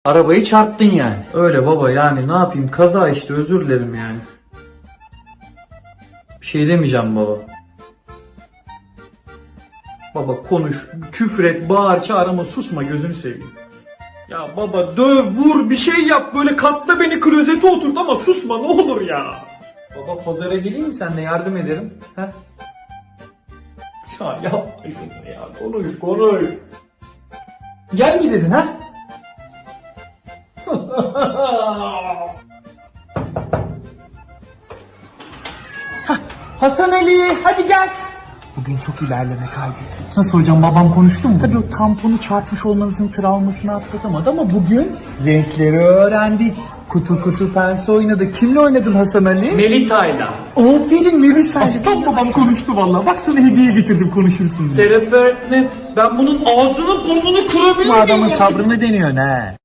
Arabayı çarptın yani. Öyle baba, yani ne yapayım, kaza işte, özür dilerim yani. Bir şey demeyeceğim baba. Baba konuş, küfür et, bağır, çağır ama susma, gözünü seveyim. Ya baba döv, vur, bir şey yap, böyle katla beni, klozete oturt ama susma ne olur ya. Baba pazara geleyim mi, sen de yardım ederim. He? Ya yapma şunu ya, konuş. Gel mi dedin ha? Hasan Ali hadi gel. Bugün çok ilerleme kaydettik. Nasıl hocam, babam konuştu mu? Tabii o tamponu çarpmış olmanızın travmasını atlatamadı ama bugün renkleri öğrendik. Kutu kutu pense oynadı. Kimle oynadın Hasan Ali? Melita'yla. Aferin Melisa. Aslan babam konuştu vallahi. Bak sana hediye getirdim, konuşursun diye. Serap öğretmenim, ben bunun ağzını burnunu kırabilir Bu miyim? adamın sabrını deniyor ne?